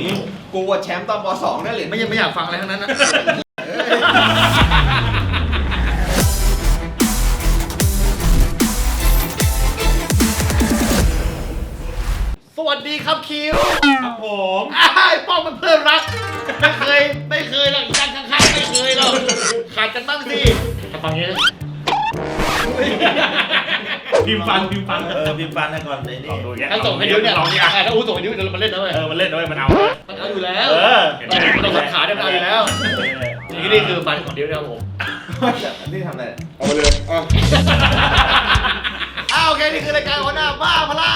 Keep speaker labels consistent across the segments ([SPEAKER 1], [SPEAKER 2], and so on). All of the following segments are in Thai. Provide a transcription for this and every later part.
[SPEAKER 1] นี้กูว่าแชมป์ตอนป .2 นั่นเหรียญ
[SPEAKER 2] ไม่อยากฟังอะไรทั้งนั้นนะสวัสดีครับคิว
[SPEAKER 3] ครับผม
[SPEAKER 2] ไอ้ป้องมันเพื่อนรักไม่เคยหรอกอีกด้านข้างๆไม่เคยหรอกขาดกันบ้างสิฟังนี้
[SPEAKER 3] พิมพ์ฟัน
[SPEAKER 4] พิมพ์ฟันให้ก่อนเลยนี่
[SPEAKER 2] ถ้าส่งให้ดิวเนี่ยถ้าอู้ส่งให้ดิวเดี๋ยวมันเล่นนะเว้ย
[SPEAKER 3] มันเล่นด้วยมันเอา
[SPEAKER 2] อยู่แล้วเราสังขาได้มันเอาอยู่แล้วนี่คือฟันของดิวนะครับผม
[SPEAKER 1] นี่ทำอะไร
[SPEAKER 2] เอาไปเลยโอเคนี่คือรายการหัวหน้าบ้าพลัง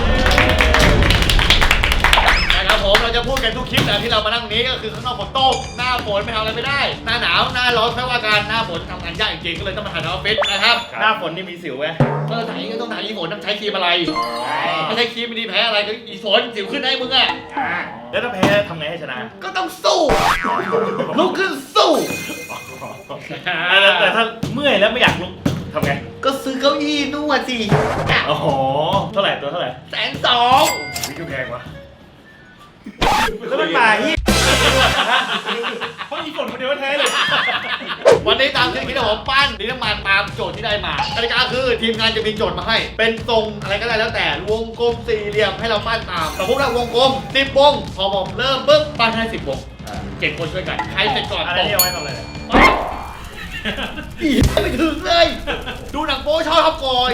[SPEAKER 2] นะครับผมเราจะพูดกันทุกคลิปนะที่เรามานั่งนี้ก็คือข้างนอกฝนตกหน้าฝนไม่ทำอะไรไม่ได้หน้าหนาวหน้าร้อนแค่ว่าการหน้าฝนทำงานยากจริงๆก็เลยต้องมาถ่ายในออฟฟิศนะครับ
[SPEAKER 3] หน้าฝนนี่มีสิวไหม
[SPEAKER 2] ก็ไหนก็ต้องไหนอีฝนต้องใช้ครีมอะไรไม่ใช่ครีมไม่ดีแพ้อะไรก็อีฝนสิวขึ้นได้มึงอ่ะ
[SPEAKER 3] แล้วถ้าแพ้ทำไงให้ชนะ
[SPEAKER 2] ก็ต้องสู้ลุกขึ้นสู้
[SPEAKER 3] แต่ถ้าเมื่อยแล้วไม่อยากลุกทำไง
[SPEAKER 2] ก็ซื้อเก้าอี้นวดสิ
[SPEAKER 3] โอ้โหเท่าไหร่ตัวเท่าไหร่
[SPEAKER 2] 120,000
[SPEAKER 3] วิวแพงวะแล้วมันมาที่เพราะอีฝนคนเดียวแท้เลย
[SPEAKER 2] วันนี้ตามที่คิดว่าผมปั้นดินน้ำมันตามโจทย์ที่ได้มากติกาคือทีมงานจะมีโจทย์มาให้ เป็นทรงอะไรก็ได้แล้วแต่วงกลมสี่เหลี่ยมให้เราปั้นตามสมมติว่าวงกลม10 วงพอผมเริ่มปุ๊บปั้นให้10 วง7 คนช่วยกันใครเสร็จก่อน
[SPEAKER 3] อะไรนี่เอาไว้ทำอะไร
[SPEAKER 2] อีไม่ถึงเลย ดูหนังโป๊ชอบทับกอย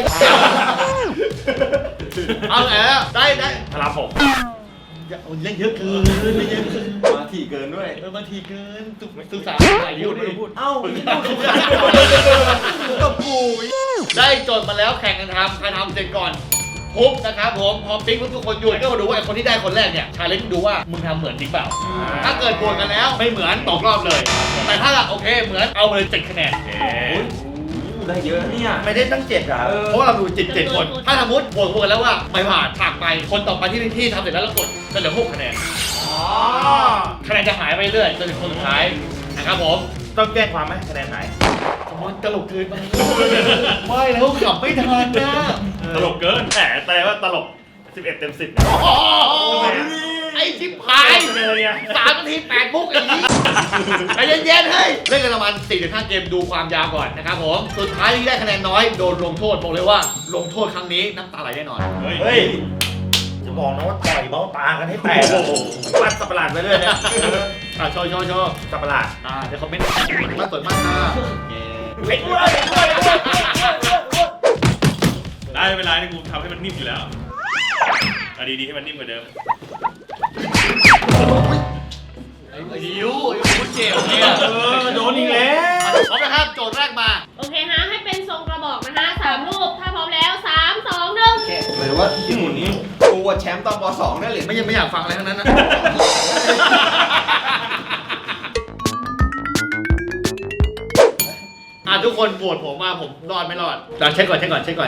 [SPEAKER 2] เอาไงแล้วได้
[SPEAKER 3] พลาผม
[SPEAKER 2] เล่นเยอะเกิน
[SPEAKER 1] มาถี่เกินด้วย
[SPEAKER 2] บางทีเกินศึกษาหลายนิ้วดิ
[SPEAKER 1] เอ้า
[SPEAKER 2] กับกูได้โจทย์มาแล้วแข่งกันทำใครทำเสร็จก่อนปุ๊บนะครับผมพอปิ๊กทุกคนหยุดก็มาดูว่าไอ้คนที่ได้คนแรกเนี่ยชาเลนจ์ดูว่ามึงทำเหมือนจริงเปล่าถ้าเกิดบวกกันแล้วไม่เหมือนตกรอบเลย แต่ถ้าโอเคเหมือนเอาเลย7 คะแนน
[SPEAKER 1] ได้เยอะเนี่ย
[SPEAKER 4] ไม่ได้ตั้ง7อ่ะ
[SPEAKER 2] เพราะว่าเราดู7 คน ถ้าสมมติบวกกันแล้วว่าไม่ผ่านผ่านไปคนต่อไปที่ทำเสร็จแล้วกดก็เหลือ6 คะแนนคะแนนจะหายไปเรื่อยจนถึงคนสุดท้ายนะครับผม
[SPEAKER 4] ต้องแจ้งความไหมคะแนนไหน
[SPEAKER 2] มันตลกเกินไปไม่แล้วขับไม่ทันนะ
[SPEAKER 3] ตลกเกินแต่ว่าตลก11 เต็ม 10
[SPEAKER 2] ไอ้ชิบหาย
[SPEAKER 3] เลยไง
[SPEAKER 2] 3 นาที 8 มุกไอ้นี้ใจเย็นๆเฮ้ยเล่นกันประมาณ 4-5 เกมดูความยาวก่อนนะครับผมสุดท้ายที่ได้คะแนนน้อยโดนลงโทษบอกเลยว่าลงโทษครั้งนี้น้ำตาไหลแน่นอน
[SPEAKER 4] เฮ้ยจะบอกนะว่าต่อยเบ้าตากันให้แตกปัดสับประหลาดไปเรื่อยเนี่ย
[SPEAKER 2] โชว์
[SPEAKER 4] สับประหลาด
[SPEAKER 2] เดี๋ยวคอมเมนต์มาสวยมากค่ะ
[SPEAKER 4] ไอ้ด้วย
[SPEAKER 3] ได้เวลาที่กูทำให้มันนิ่มอยู่แล้วดีให้มันนิ่มกว่าเดิม
[SPEAKER 2] ไอ้ดิวคุณเจ็บเนี่ย
[SPEAKER 4] โดนอีกแล้ว
[SPEAKER 2] พร้อมนะครับโจทย์แรกมา
[SPEAKER 5] โอเคฮะ ให้เป็นทรงกระบอกนะคะ3 รูป ถ้าพร้อมแล้ว 3 2 1
[SPEAKER 1] หรือว่าญี่ปุ่นนี้กูว่าแชมป์ตอนป .2 นั่นเหรียญ
[SPEAKER 2] ไม่อยากฟังอะไรทั้งนั้นนะทุกคนโหวตผมว่าผมรอดไม่รอดเช็คก่อน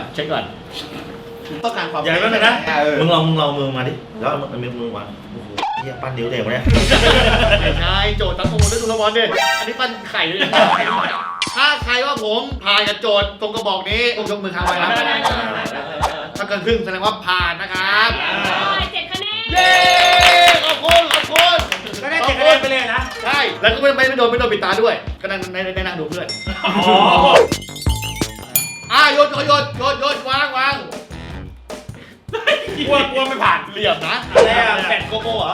[SPEAKER 1] ต้องการความ
[SPEAKER 4] อย่าไปนะมึงลองมือมาดิแล้วมันมือมาโอ้โหเฮียปั้นนิ้วเด็กวะเนี่ย
[SPEAKER 2] ไม่ใช่โจทย์ตั้งข้อมูลด้วยทุกระบอลดิอันนี้ปั้นไข่ด้วยถ้าใครว่าผมผ่านกับโจทย์ตรงกระบอกนี้ยกมือค้างไว้ครับถ้าเกินครึ่งแสดงว่าผ่านนะครับ
[SPEAKER 5] 7 คะแนน
[SPEAKER 2] เย้ขอบคุณ
[SPEAKER 4] ก็ได้7 คะแนนไปเลยนะ
[SPEAKER 2] ใช่แล้วก็ไม่โดนปิดตาด้วยก็นั่งนั่งดูเพื่อนโยนวาง
[SPEAKER 3] กลัวไม่ผ่าน
[SPEAKER 2] เหลี่ยมนะ
[SPEAKER 4] อะไรอ่ะแบตโกโก้เหรอ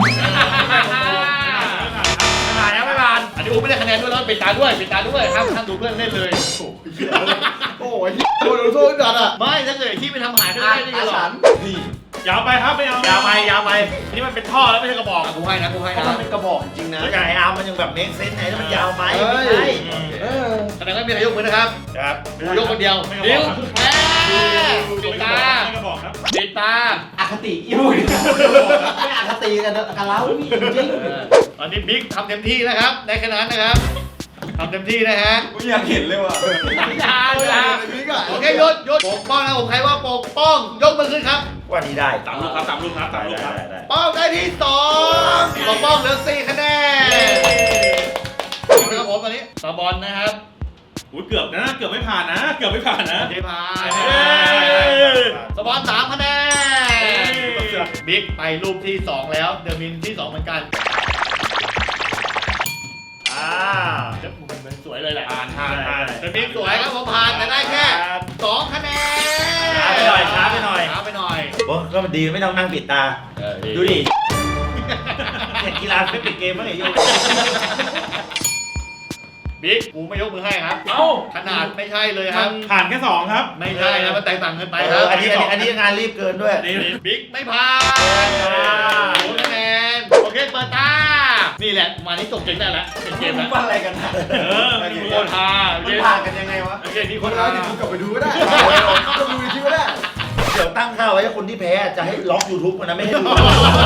[SPEAKER 2] ไม่ผ่านอันนี้อูไม่ได้คะแนนด้วยแล้วปิดตาด้วยห้ามดูเพื่อนเล่นเลยโอ้ยโดนโทษกันอ่ะไม่ถ้าเกิดที่ไปทำหายด้วยนี่หรอ
[SPEAKER 3] ยาวไปครับไม่เอา
[SPEAKER 4] ยาวไป
[SPEAKER 3] นี่มันเป็นท่อแล้วไม่ใช่กระบอก
[SPEAKER 2] กูให้นะ
[SPEAKER 1] มันเป็นกระบอกจริงนะ
[SPEAKER 4] แล้วไอ้อาร์มมันยังแบบเมคเซนส์ไหนแล้วมันยาวไป
[SPEAKER 2] แสดงว่ามีนายกมือนะครับ
[SPEAKER 3] ครับ
[SPEAKER 2] กูยกคนเดียวนิ้วปิดตา
[SPEAKER 3] ไม่กระบอกครับ
[SPEAKER 2] ปิดตา
[SPEAKER 1] อคติอยู่ไม่อคติกันแล้วนี่จริง
[SPEAKER 2] ตอนนี้บิ๊กทำเต็มที่นะครับในขนาดนะครับทำเต็มที่นะฮะ
[SPEAKER 1] กูอยากเห็นเลยว่ะ
[SPEAKER 2] อย่าโอเคยศปกป้องนะผมใครว่าปกป้องยกมือขึ้นครับ
[SPEAKER 4] ว่านี้ได้
[SPEAKER 3] 3 ลูกครับ3 ลูกครับ3 ลูกครับ
[SPEAKER 4] ได้
[SPEAKER 2] ป้องได้ที่2ปกป้องเหลือ4 คะแนนนะครับผมตอนนี้ตาบอลนะครับ
[SPEAKER 3] อุ้ยเกือบนะเกือบไม่ผ่านนะเกือบไม่ผ่านนะ
[SPEAKER 2] เจพายสปอน3 คะแนนบิ๊กไปรูปที่ 2 แล้วเดอะมินที่ 2 เหมือนกันมันสวยเลยแหละเดอะมินสวยครับผมผ่านแต่ได้แค่2 คะแนน
[SPEAKER 4] ช้าไปหน่อย โอ้ก็มันดีไม่ต้องนั่งปิดตา ดูดิเห็นกีฬาไม่ปิดเกมมั้งไอ้โย
[SPEAKER 2] บิ๊กกูไม่ยกมือให้ครับ
[SPEAKER 3] เอ้า
[SPEAKER 2] ขนาดไม่ใช่เลยครับ
[SPEAKER 3] ผ่านแค่2ครับ
[SPEAKER 2] ไม่ใช่นะมันแตกต่างกันไปครับ
[SPEAKER 4] อันนี้งานรีบเกินด้วย
[SPEAKER 2] บิ๊กไม่ผ่าน0 คะแนนโอเคเปิดตานี่แหละมานี่จบเกมได้แล้วเป็นเกมแล้ว
[SPEAKER 1] มันอะไรกันนะ
[SPEAKER 2] โคตรฮา
[SPEAKER 1] มันผ่านกันยังไงวะ
[SPEAKER 2] โอเคนี่โค
[SPEAKER 1] คน
[SPEAKER 2] ตร
[SPEAKER 1] เรา
[SPEAKER 2] ฮา
[SPEAKER 1] เดี๋ยวกูกลับไปดูก็ได้ก็ดูในคลิปก็ได้
[SPEAKER 4] เดี๋ยวตั้งค่าไว้ให้คนที่แพ้จะให้ล็อก YouTube มันนะไม่ให้ดู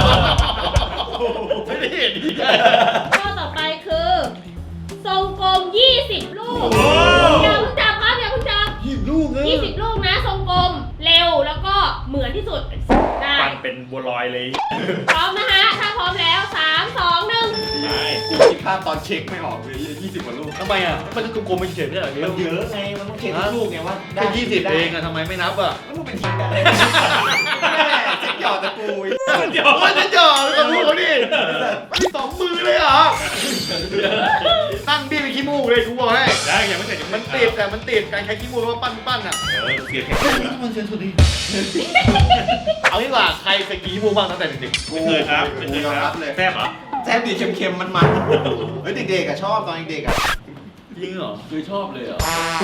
[SPEAKER 2] ไม่ได้เห็นดี
[SPEAKER 5] ข้อต่อไปคือ ทรงกลม 20 ลูก
[SPEAKER 3] โอ้
[SPEAKER 5] อย่าเพิ่งจับครับอย่าเพิ่งจับ
[SPEAKER 2] 20 ลูกเลย
[SPEAKER 5] 20 ลูกนะ ทรงกลม เร็วแล้วก็เหมือนที่สุด ได้
[SPEAKER 3] ปั่นเป็นบัวลอยเลย
[SPEAKER 5] พร้อมนะฮะ ถ้าพร้อมแล้ว 3 2 1
[SPEAKER 3] ได้
[SPEAKER 1] กูคิดภาพตอนเช็คไม่ออกเลย20 กว่าลูก
[SPEAKER 2] ทำไมอ่ะมันก็กลมๆไม่เฉยๆเนี่ยเหรอ
[SPEAKER 4] มันเยอะไงมันต้องเช็คทุกลูกไงว่า
[SPEAKER 2] แค่20เองอะทำไมไม่นับอ่ะ
[SPEAKER 1] แล้วมึงเป็นคิดได้เช็คหยอดตะกู
[SPEAKER 3] เดี๋ยว
[SPEAKER 2] มันจะจ่อกับพวกเขาดิมี2 มือเลยเหรอตั้งบี้ไปขี้มูกเลยกูบอกให้
[SPEAKER 3] ได้ยังไม่เสร็จ
[SPEAKER 2] มันติดแต่มันติดการใช้ขี้มูกแล้วปั้นอ่ะ
[SPEAKER 3] เสียแค่
[SPEAKER 2] มันเสียสุดดีเอาดีกว่าใครเคยกินขี้มูกบ้างตั้งแต่เด็ก
[SPEAKER 3] ไม่เคยครับไม่เคยครับแซ่บเหรอ
[SPEAKER 1] แซ่บดีเค็มๆมันเฮ้ยเด็กๆอะชอบตอนเด็กๆอะ
[SPEAKER 2] ๆจริงเหรอ
[SPEAKER 6] คือชอบเลยเหรอ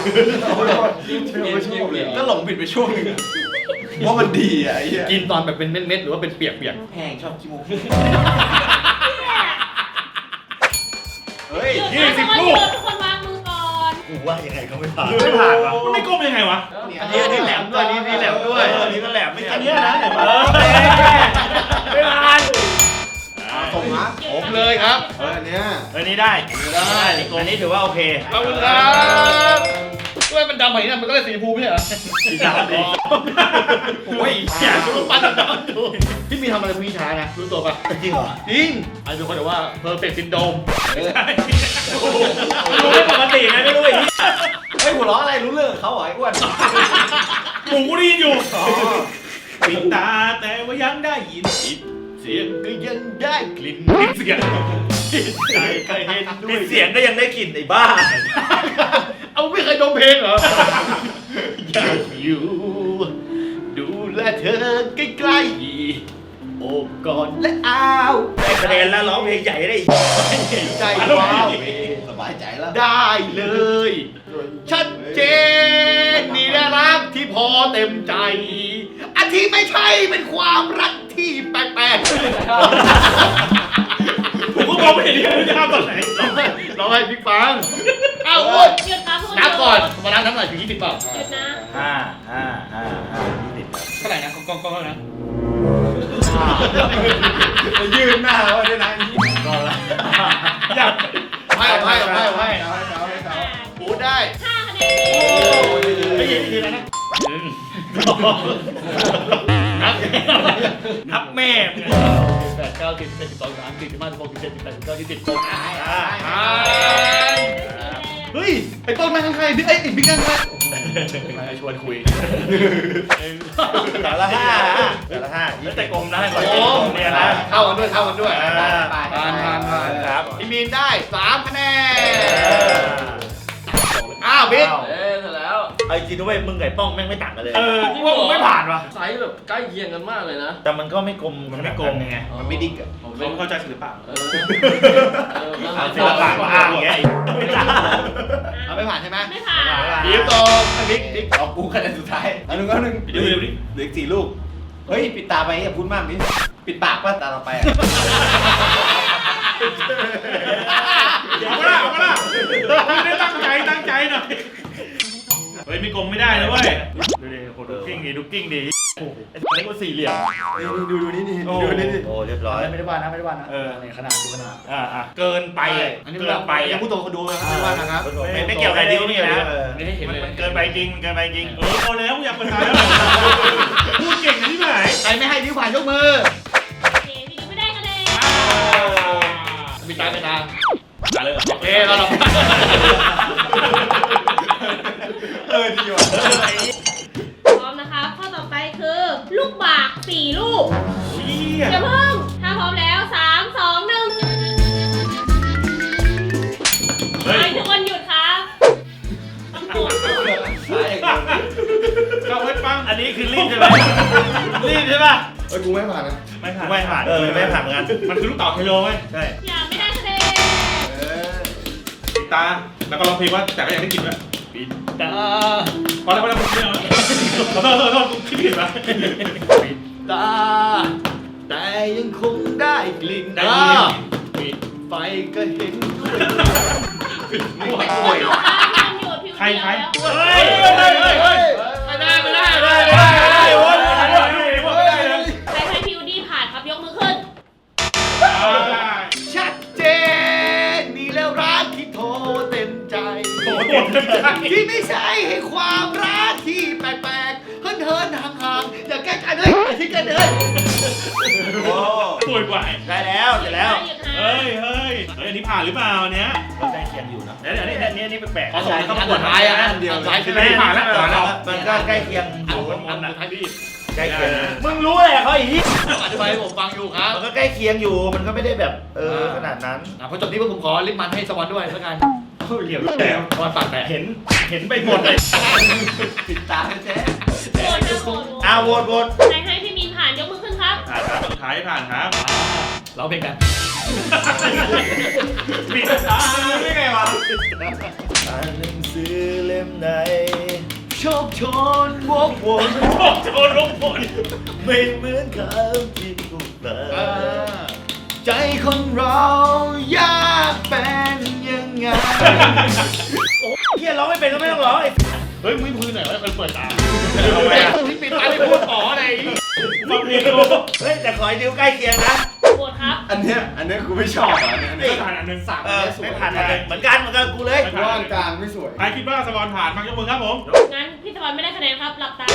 [SPEAKER 1] ชอบเลยก็หลงผิดไปช่วงนึงว่ามันดีอะไอ้เหี้ย
[SPEAKER 2] กินตอนแบบเป็นเม็ดๆหรือว่าเป็นเปียก
[SPEAKER 1] แพงชอบขี้มูกเฮ้ย
[SPEAKER 5] หยุดนะทุกคนหยุดทุกคนวางมือก่อน
[SPEAKER 4] กูว่ายังไงก็ไม่ผ่าน
[SPEAKER 3] ไม่ผ่านวะมันไม่ก้มยังไงวะ
[SPEAKER 2] ๆอันนี้แหลมด้วยนี่แหลมด้วย
[SPEAKER 4] อันนี้ก็แหลมไม่
[SPEAKER 3] อั
[SPEAKER 4] อั
[SPEAKER 3] น
[SPEAKER 4] น
[SPEAKER 3] เนี้
[SPEAKER 4] นี้
[SPEAKER 3] ย
[SPEAKER 4] นะ
[SPEAKER 3] นะ
[SPEAKER 4] เห็นไหม
[SPEAKER 3] ไม่ผ่าน
[SPEAKER 1] ส่งนะ
[SPEAKER 2] ผมเลยครับ
[SPEAKER 1] อันเนี้ย
[SPEAKER 4] อันนี้ได้อันนี้ถือว่าโอเค
[SPEAKER 2] ขอบคุณครับด้วยมันดำแบบนี้นะมันก็เลยสีชมพูไม่ใช่เหรอ
[SPEAKER 4] สีดำดี
[SPEAKER 2] โอ้ยอยากรู้ปั้นดำดูพี่มีทำอะไรพวกนี้ช้านะรู้ตัวปะ
[SPEAKER 4] จริงเหรอ
[SPEAKER 2] จริงไอ้เป็นคนแบบว่า perfect syndrome
[SPEAKER 3] รู้ไม่ปกติไงไม่รู้ไอ้ที่
[SPEAKER 1] เฮ้ยหัวเราะอะไรรู้เรื่องเขาเหรอไอ้อ้วน
[SPEAKER 3] หูกูได้ยินอยู่ปิดตาแต่ว่ายังได้ยิน
[SPEAKER 2] เสียงก็ยังได้กลิ่นเสียงใจเคยเห็นด้ว
[SPEAKER 4] ปิ
[SPEAKER 2] ย
[SPEAKER 4] ดเสียงก็ยังได้กลิ่นไอ้บ้า
[SPEAKER 2] เอาไม่เคยดมเพลงเหรอ อยากอยู่ ดูแลเธอใกล้ๆโอบกอดและอ้าว
[SPEAKER 4] ได้คะแนนแล้วร้องเพลงใหญ่ได้อีก
[SPEAKER 2] ใจว้าว
[SPEAKER 1] สบายใจแล้ว
[SPEAKER 2] ได้เลย ชัดเจนนี่แหละรักที่พอเต็มใจ อันที่ไม่ใช่เป็นความรักที่แปลกๆ
[SPEAKER 3] ผมก็มองไม่เห็นที่คุณจะทำตอนไหน
[SPEAKER 2] ร้องให้พี่ฟังอ้าวอ้วน
[SPEAKER 5] หยุดครับทุกคน
[SPEAKER 2] นับก่อนมานับหน่อยถึง20เปล่า
[SPEAKER 5] หยุดนะ
[SPEAKER 2] เท่าไหร่นะกล้องเท่าไหร่นะ
[SPEAKER 1] ยืนหน้าไว้ด้วยนะ
[SPEAKER 2] ก็ละ
[SPEAKER 3] อยาก
[SPEAKER 2] ให้พูดได้
[SPEAKER 5] 5 คะแนน
[SPEAKER 2] ไม่ยินทีแล้วนะนับ
[SPEAKER 3] นับแม่
[SPEAKER 2] 8 9 10 11 12 13 14 15 16 17 18 19 20คนเฮ้ยไอ้ต้นนั่งข้างๆไอ้บิ๊กนั่งข้างมาชวนคุย
[SPEAKER 4] แต่ละห้าแต่กลมได้ก่อน
[SPEAKER 2] โอ้
[SPEAKER 4] เนี่ยนะ
[SPEAKER 2] เข้ากันด้วยผ่าน
[SPEAKER 4] ครับ
[SPEAKER 2] พี่มีนได้3 คะแนนอ้าวบิ๊ก
[SPEAKER 6] เอ๊ะเสร็จแล้ว
[SPEAKER 4] เอาจริงด้วยมึงไก่ป้องแม่งไม่ต่างกันเลย
[SPEAKER 3] ที่ว่าผมไม่ผ่านวะ
[SPEAKER 6] ไซส์แบบใกล้เคียงกันมากเลยนะ
[SPEAKER 4] แต่มันก็ไม่กลมไง
[SPEAKER 1] มันไม่ดิ๊กอะ
[SPEAKER 6] ผม
[SPEAKER 3] เขาเข้าใจศิลปะ
[SPEAKER 4] เอาศิลปะมาอ้างอย่างเงี้ยไม่ได้
[SPEAKER 2] เอาไม่ผ่านใช่ไหม
[SPEAKER 5] ไม่ผ่าน
[SPEAKER 2] บิ๊กตอบบิ๊ก
[SPEAKER 1] เอากูคะแนนสุดท้ายอันนึงเหลือ4 ลูก เฮ้ยปิดตาไปอย่าพูดมากดิปิดปากป่ะตาเราไปอะ
[SPEAKER 3] เอาละไม่ได้ตั้งใจหน่อยเฮ้ยมีกลมไม่ได้นะเว้ยดูดิโหดูกิ้งดี
[SPEAKER 2] อันนี้ก็4 เหลี่ยม
[SPEAKER 1] ดูนี่นี่
[SPEAKER 3] โอ้
[SPEAKER 1] ดูนี่
[SPEAKER 4] โอ้เรียบร้อย
[SPEAKER 2] ไม่ได้ว่านะนี่ขนาดดูขนาด
[SPEAKER 3] เกินไป
[SPEAKER 2] อันนี้
[SPEAKER 3] เกินไป
[SPEAKER 2] ยังพูดตัวคนดูนะครับไม่ว่านะครับ
[SPEAKER 4] ไม่เกี่ยวกับใครดีก็ไม่นะ
[SPEAKER 6] ไม่ได้เห็น
[SPEAKER 3] มัน
[SPEAKER 6] เลย
[SPEAKER 3] เกินไปจริงพอแล้วอยากเป็นตายแล้วพูดเก่งที่ไหน
[SPEAKER 2] ใครไม่ให้นิ้วผ่านยกมือ
[SPEAKER 5] โอเคพี่ดูไม่ได้คะแนน
[SPEAKER 2] มีตาไม่ตา
[SPEAKER 3] เลย
[SPEAKER 2] โอเคเรา
[SPEAKER 1] ดีว่ะ
[SPEAKER 5] พร้อมนะครับ ข้อต่อไปคือ ลูกบาก 4 ลูก
[SPEAKER 3] 20
[SPEAKER 7] ฮ้ยกูไม่ผ่านนะ
[SPEAKER 3] ไม่ผ่าน
[SPEAKER 4] ไม่ผ่านไม่ผ่านเหมือนกัน
[SPEAKER 3] มันคือลูกเต่าไฮโลไหม
[SPEAKER 4] ใช่
[SPEAKER 5] อย่าไม่ได้คะแนน
[SPEAKER 3] ปิดตาแล้วก็ร้องเพลงว่าแต่ก็ยังได้กินด้วยปิดตาพอแล้วกูคิดแล้วขอโทษกูคิดผิดปะ
[SPEAKER 2] ปิดตาแต่ยังคงได้กลิ่น
[SPEAKER 3] ได้กลิ่น
[SPEAKER 2] ปิดไฟก็เห็นด้วย
[SPEAKER 5] ไม่อยู่ค่ะมันอยู่ผิว
[SPEAKER 3] ใคร
[SPEAKER 5] เดียว
[SPEAKER 3] ใคร
[SPEAKER 5] แล้ว
[SPEAKER 3] เฮ้ย
[SPEAKER 2] ไม่ได้
[SPEAKER 3] ไม่ได้โว้ยไม่ได้เลย
[SPEAKER 5] ใครให้พิวดี้ผ่านครับยกมือขึ้น
[SPEAKER 2] ชัดเจนนี่แล้วรักที่โทรเต็มใจ
[SPEAKER 3] โอ้โหเต็มใจ
[SPEAKER 2] ที่ไม่ใช่ให้ความรักที่แปลกๆเฮินๆห่างๆอย่าใกล้กันเลยอย่าทิ้งกันเลย
[SPEAKER 4] โอ้
[SPEAKER 3] สวยกว่า
[SPEAKER 4] ได้แล้วเสร็จแล้ว
[SPEAKER 5] หยุดหา
[SPEAKER 3] เฮ้ยอันนี้ผ่านหรือเปล่าเนี้ย
[SPEAKER 4] ก็ใกล้เคียงอยู่นะ
[SPEAKER 3] เดี๋ยวนี่แปลก
[SPEAKER 2] ขอส่งคำสุดท้ายอ่ะอันเดียวท้ายคือ
[SPEAKER 3] ไม่ผ่านแล้ว
[SPEAKER 4] มันก็ใกล้เคียงอ
[SPEAKER 2] อัน
[SPEAKER 4] ยู่
[SPEAKER 2] อันท้ายพี่
[SPEAKER 4] ใกล้เคียงมึงรู้อะไรเขาอีกที
[SPEAKER 2] อธิบายให้ผมฟังอยู่ครับ
[SPEAKER 4] มันก็ใกล้เคียงอยู่มันก็ไม่ได้แบบขนาดนั้น
[SPEAKER 2] พอจบนี้ผมขอลิปมันให้สวอนด้วยแล้วกัน
[SPEAKER 3] เหลี่ยมแล้ว
[SPEAKER 2] สวอนปากแตก
[SPEAKER 3] เห็นไปหมดเลย
[SPEAKER 1] ปิดตาแท้
[SPEAKER 5] โหวตนะโหวต
[SPEAKER 4] โหวต
[SPEAKER 5] ใครให้พี่มินผ่านยกมือขึ้นครับ
[SPEAKER 3] ผ่านครับสุดท้ายผ่านครับ
[SPEAKER 2] เราเพลงกัน
[SPEAKER 3] ปิดตาไม่ไงวะ
[SPEAKER 4] อ่านหนังสือเล่มไหน
[SPEAKER 2] โชคชนวกวน
[SPEAKER 3] โดนลงฝน
[SPEAKER 4] ไม่เหมือนคำที่กูฟัง
[SPEAKER 2] ใจคนเรายากเป็นยังไง
[SPEAKER 4] เฮียร้องไม่เป็นก็ไม่ต้องร้องไอ้
[SPEAKER 2] เฮ้ยมึงพื้นไหนวะคนเปิดตา
[SPEAKER 3] ทำไมอ่ะ
[SPEAKER 2] ที่ปิดตาไม่พูดอ๋ออะไร
[SPEAKER 3] ฟังเพลงดู
[SPEAKER 4] เฮ้ยแต่ขอให้ดิวใกล้เคียงนะ
[SPEAKER 5] โหวตครับ
[SPEAKER 1] อันเนี้ยกูไม่ชอบอ่ะอันเนี้ย
[SPEAKER 3] ไม่ผ่านอันนึง
[SPEAKER 4] ไม่ผ่านอะไรเหมือนกันกูเลย
[SPEAKER 7] ว่างกลางไม่สวย
[SPEAKER 3] ใครคิดว่าสปอนผ่านมายกมือครับผม
[SPEAKER 5] งั้นพี่ตะวันไม่ได้คะแนนครับ หลับตา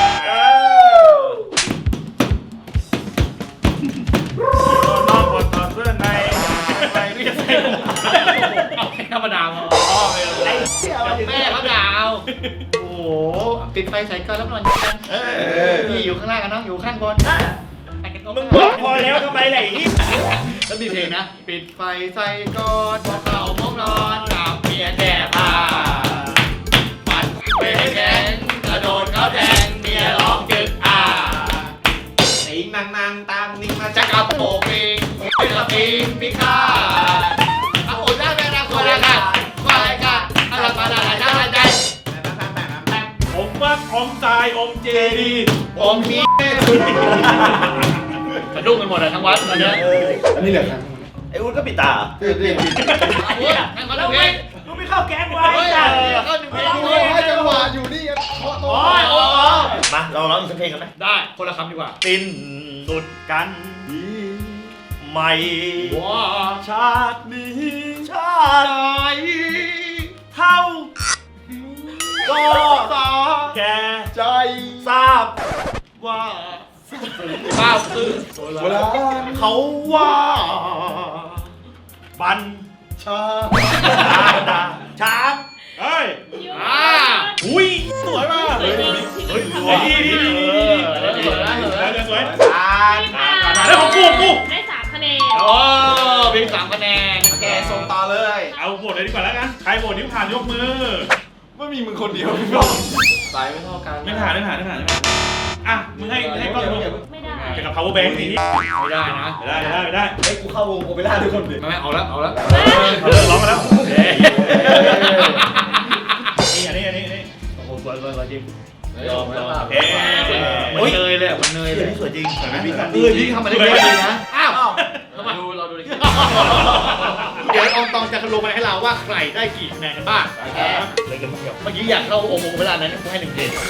[SPEAKER 4] นอกบทต่อเสื้อใน
[SPEAKER 2] ไปเรียกใส่เอาแค่ธรรมดาพอ
[SPEAKER 4] ไอ้เหี้ย
[SPEAKER 2] แม่เขาด่าเอาโอ้โหปิดไฟใส่ก้อนแล้วนอนกันนี่อยู่ข้างล่างกันน้องอยู่ข้างบน
[SPEAKER 4] มึงบอกพอแล้วทำไมไหนนี่
[SPEAKER 2] แล้วมีเพลงนะ ปิดไฟใส่ก้อนพอเข้าห้องนอนกับเมียแก่ผ้าปัดเบรกแข็งกระโดดเขาแทงเมียร้องจึก
[SPEAKER 1] ไอ้นางตามนี่มา
[SPEAKER 2] จะกลับโปกปิงเป็นกระปิงพิฆาตเอาโอ้ได้แม่รักคนละกันคนละกันอะไรมาอะไรได้ใจ
[SPEAKER 3] อมว่าอมทรายอมเจดี
[SPEAKER 2] ผมมีสะดุ้งกันหมดเลยทั้งวัดตอนนี้
[SPEAKER 7] อันนี้เหลือครับ
[SPEAKER 4] ไอ้อุ้นก็ปิดตา
[SPEAKER 7] ปิด
[SPEAKER 2] เอาเว้ยให้มาดูเพลง
[SPEAKER 4] มึงไม่เข้าแก๊งไว้
[SPEAKER 2] เฮ้ย
[SPEAKER 4] จ้ะ
[SPEAKER 2] ก็หนึ่งเพลง
[SPEAKER 7] โอ้ยให้จังหวะอยู่นี่เคาะโต๊ะ
[SPEAKER 4] มาเราร้องอีกสักเพลงกันไหม
[SPEAKER 2] ได้คนละคำดีกว่า
[SPEAKER 4] สิ้นสุดกันใหม่
[SPEAKER 2] ว้า
[SPEAKER 4] ชาตินี้ชาติเท่าก็
[SPEAKER 2] สา
[SPEAKER 4] แค่
[SPEAKER 7] ใจ
[SPEAKER 4] ทราบ
[SPEAKER 2] ว่าข้าวซื้อ
[SPEAKER 7] โบราณ
[SPEAKER 4] เขาว่าบัน
[SPEAKER 7] ชา
[SPEAKER 4] ช้าง
[SPEAKER 3] เฮ้ย
[SPEAKER 5] อุ้ย
[SPEAKER 3] สวยมาก
[SPEAKER 5] สวยจริง
[SPEAKER 3] เฮ้ยดีสวย
[SPEAKER 1] ผ่าน
[SPEAKER 5] พี่ผ่าน
[SPEAKER 3] แล้วของกู
[SPEAKER 5] ได้3คะแนน
[SPEAKER 2] โอ้เพลง3คะแนน
[SPEAKER 1] โอเคส่งต่อเลย
[SPEAKER 3] เอาโหวตเลยดีกว่าแล้วกันใครโหวตนิ้วผ่านยกมือ
[SPEAKER 1] ไม่มีมึงคนเดียวพี่บอก
[SPEAKER 7] สายไม่เท่ากัน
[SPEAKER 3] ไม่ผ่านอ่ะมึงให้กล้องดู
[SPEAKER 5] ไม่ได้
[SPEAKER 3] เกี่ยวกับ power bank นี่
[SPEAKER 2] ไม่ได้นะ
[SPEAKER 3] ไม่ได้
[SPEAKER 1] ไอ้กูเข้าวงโอเปร่าทุกคนดิ
[SPEAKER 2] ไม่เอาแล้วเอาแล้ว
[SPEAKER 3] เขาเลิกร้องกันแล้วนี่อันนี้
[SPEAKER 2] โอ้โหสวยจริง
[SPEAKER 6] ยอม
[SPEAKER 3] เอ๊ะ
[SPEAKER 2] มันเนยเลยมันเนยเลย
[SPEAKER 4] นี่สวยจริง
[SPEAKER 2] พี่ทำมาได้ดีนะอ้าว
[SPEAKER 6] เราดูดิ
[SPEAKER 2] เดี๋ยวอองตองจะลงมาให้เราว่าใครได้กี่คะแนนกันบ้าง
[SPEAKER 4] เลยกันเดียว
[SPEAKER 2] เมื่อกี้อยากเข้าโอโหเวลานั้นกูให้1เพลง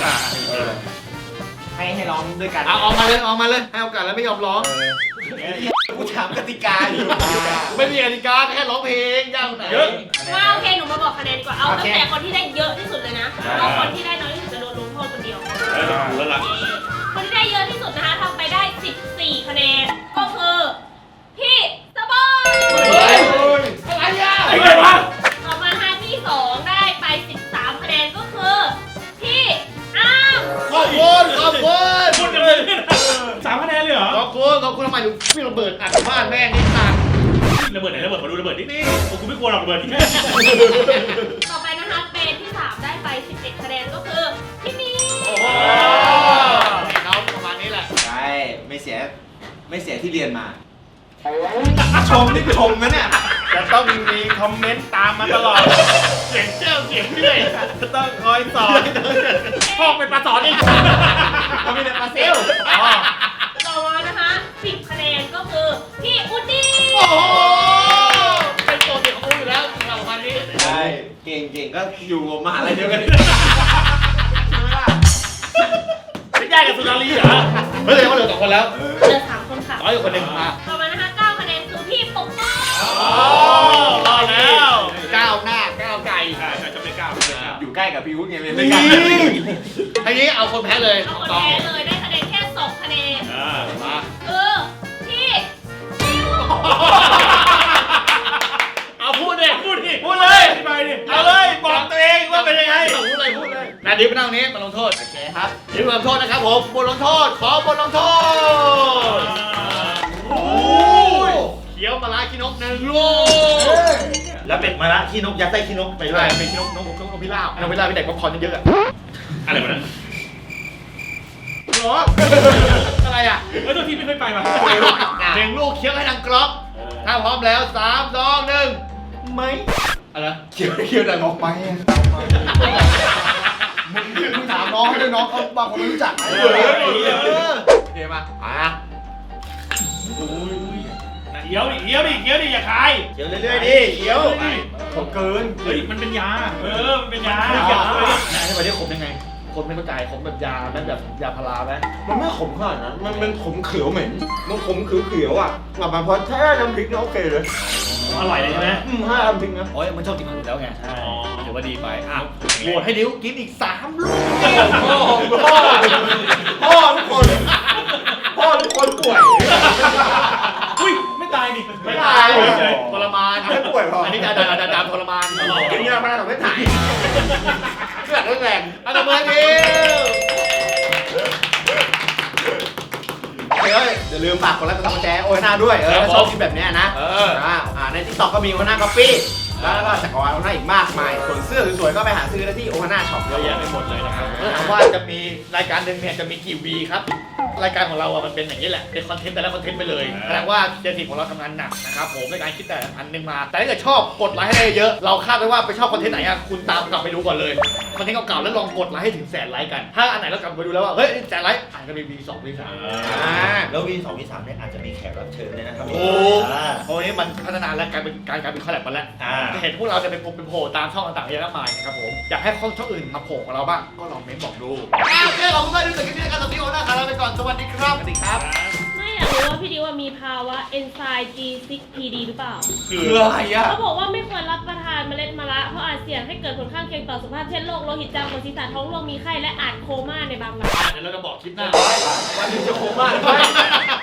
[SPEAKER 1] ให้ร้องด้วยกัน
[SPEAKER 2] เอาออกมาเลยให้โอกาสแล้วไม่ยอมร้อง
[SPEAKER 1] กูถามกติกาอยู่
[SPEAKER 2] ไม่มีกติกาแค่ร้องเพลงยากไหน
[SPEAKER 3] เยอะ
[SPEAKER 5] ว่าโอเคหนูมาบอกคะแนนดีกว่า เอาตั้งแต่คนที่ได้เยอะที่สุดเลยนะเอาคนที่ได้น้อยที่สุดจะโดนลงโทษคนเดียว
[SPEAKER 3] แล้วล่ะ
[SPEAKER 5] คนที่ได้เยอะที่สุดนะคะทำไปได้ 14 คะแนน ก็คือ พี่สปอย
[SPEAKER 2] อะไรอ่ะ
[SPEAKER 3] ไอ้ไงวะ
[SPEAKER 5] ต่อมาค่ะที่ 2 ได้ไป 13 คะแนน ก็คือ พี่อ้าม
[SPEAKER 2] ขอบคุณ
[SPEAKER 3] พูดกันเลย3คะแนนเลยเหรอ
[SPEAKER 2] ขอบคุณทำไมถึงพี่ระเบิดอัดบ้านแม่งนี่สัตว์
[SPEAKER 3] ระเบิดไหนระเบิดมาดูระเบิดนี่กูไม่กลัวหรอกระเบิดที่
[SPEAKER 5] ต่อไปนะคะเป็นที่ 3 ได้ไป 11 คะแนน ก็คือ พี่มี
[SPEAKER 2] โอ้โหเขาประมาณนี้แหละ
[SPEAKER 1] ใช่ไม่เสียไม่เสียที่เรียนมา ชมนี่ชมนะเนี่ย
[SPEAKER 3] จะต้องมีคอมเมนต์ตามมาตลอด เสียงเจ้าเสียงเรื่อยจะต้องคอยสอนพ่อเป็นปลาสอนเอง
[SPEAKER 1] เขาไม่ได้ปลาเซล
[SPEAKER 5] ต่อมานะคะ10คะแนนก็คือพี่อุดดี้
[SPEAKER 2] โอ้โหเป็นตัวเด็กของกูอยู่แล้วสำหรับวันนี้
[SPEAKER 1] ใช่เก่งๆก็อยู่มหาลัยเดียวกัน
[SPEAKER 3] ไม่ได้กับสุนารีเหรอ
[SPEAKER 2] เฮ้ยเขาเหลือ2คนแล้ว
[SPEAKER 5] เหลือ3คนค่ะ
[SPEAKER 2] น้อยอยู่คนหนึ่งมา
[SPEAKER 5] ต่อมานะคะ9คะแนนคือพี่ปกป้อง
[SPEAKER 3] รอแล้ว
[SPEAKER 2] ก้าวหน้าก้าวไกล
[SPEAKER 3] จะไม่กล้า
[SPEAKER 1] อยู่ใกล้กับพี่วุฒิไงเรียนด้วยกัน
[SPEAKER 2] ทีนี้เอาคนแพ้เลย
[SPEAKER 5] เอาคนแพ้เลยได้คะแนนแค่2คะแนน
[SPEAKER 2] มา
[SPEAKER 5] คือพี่นิว
[SPEAKER 3] เอาพูดดิพูดเลยอธิบายดิเอาเลยบอกตัวเองว่าเป็นยังไง
[SPEAKER 2] พูดเลยนาดิฟไปนั่งนี้มาลงโทษ
[SPEAKER 1] โอเคครับ
[SPEAKER 2] ดิฟมาลงโทษนะครับผมบทลงโทษขอบทลงโทษโอ้ยเขียวปลาร้าขี้นก1 ลูก
[SPEAKER 4] แล้วเป็นมะระขี้นกยัดไส้ขี้นกไปด้
[SPEAKER 2] ใช่
[SPEAKER 4] วย
[SPEAKER 2] เป็นขี้นกพิราบนกพิราบเป็นเด็กป๊อปคอร์นเยอะๆอะ
[SPEAKER 3] อะไรวะนั่น
[SPEAKER 2] หรออะไรอ่ะ
[SPEAKER 3] ตัวทีไม่เคยไปมา
[SPEAKER 2] 1 ลูกเคี้ยวให้ดังกรอบถ้าพร้อมแล้ว3 2 1ไม่อะไร
[SPEAKER 7] เคี้ยวแต่ออกไปมึงถามน้องให้ด้วยน้องเขาบางคนไม่รู้จัก
[SPEAKER 1] โอเคมา
[SPEAKER 3] เขียวดิอย่าคาย
[SPEAKER 4] เขียวเรื่อยๆดิเขียว
[SPEAKER 1] ผมเกิน
[SPEAKER 3] เฮ้ยมันเป็นยามันเป็นยา
[SPEAKER 2] ให้วันนี้ขมยังไงขมไม่เข้าใจขมแบบยาแม่แบบยาพาราไหม
[SPEAKER 1] มันไม่ขมขนาดนั้นมันขมเขียวเหม็นมันขมเขียวอ่ะกลับมาพอแท้น้ำพริกนี่โอเคเลย
[SPEAKER 3] อร่อยเลยใช่ไหม
[SPEAKER 1] ถ้าน้ำพริกนะ
[SPEAKER 2] โอ้ยมันชอบกินผักอยู่แล้วไง
[SPEAKER 3] อ๋อ
[SPEAKER 2] ถือว่าดีไปอ่ะโหวตให้ดิวกินอีก3 ลูก
[SPEAKER 1] พ่อทุกคนป่วย
[SPEAKER 3] อุ้ยไม่ตายดิ
[SPEAKER 2] ไม่ตายทรมาน
[SPEAKER 1] ไม่ป่วยพอ
[SPEAKER 2] อันนี้จะดาทรมาน
[SPEAKER 1] กินยามาแต่ไม่ถ่าย
[SPEAKER 2] เลือดแรงอันดับเบอร์ดิว
[SPEAKER 1] เฮ้ยอย่าลืมฝากกดไลค์กดซับสไครต์โอ้ยหน้าด้วยถ้าชอบคลิปแบบเนี้ยนะใน TikTok ก็มีโอฮาน่าก๊อปปี้แล้วก็จักรวาลโอฮาน่าอีกมากมายส่วนเสื้อสวยๆก็ไปหาซื้อได้ที่โอฮาน่าช็อป
[SPEAKER 2] เยอะแยะไปหมดเลยนะครับแล้วถามว่าจะมีรายการหนึ่งเนี่ยจะมีกี่วีครับ รายการของเราอะมันเป็นอย่างนี้แหละเป็นคอนเทนต์แต่ละคอนเทนต์ไปเลยแสดงว่าเจทีของเราทำงานหนักนะครับผมในการคิดแต่อันหนึงมา แต่ถ้าเกิดชอบกดไลค์ให้ได้เยอะเราคาดไว้ว่าไปชอบคอนเทนต์ไหนอะคุณตามกลับไปดูก่อนเลยคอนเทนต์เก่าๆแล้วลองกดไลค์ให้ถึง100,000 ไลค์กันถ้าอันไหนเรากลับไปดูแล้วว่าเฮ้ย100,000 ไลค์อาจจะมี V2 V3
[SPEAKER 4] แล้ววี2วี3เนี่ยอาจจะมีแขกรับเชิญด้วยนะครับ
[SPEAKER 2] โอ้โหนี้มันพัฒนาและกลายเป็นคอลแลบมาแล้วจะเห็นพวกเราจะเป็นโผล่ตามช่องต่างๆเยอะมากมายนะครับผมอยากให้ช่องอื่นมาโผล่กับเราบ้างก็ลองเม้นบอกดูโอเคขอบคุณมากที่ติดตามในการสวัสดีโอน่าคาราไปก่อนสวัสดีครับสวัสดีครับ
[SPEAKER 5] ไม่อยากรู้ว่าพี่ดิวมีภาวะ enzyme G6PD หรือเปล่า
[SPEAKER 1] คืออะไรอ่ะ
[SPEAKER 5] เขาบอกว่าไม่ควรรับประทานเมล็ดมะระเพราะอาจเสี่ยงให้เกิดผลข้างเคียงต่อสุขภาพเช่นโรคโลหิตจางปวดศีรษะท้องร่วงมีไข้และอาจโคม่าในบางราย
[SPEAKER 2] เดี๋ยวเราจะบอกคลิปหน้า
[SPEAKER 1] วันนี้จะโคม่า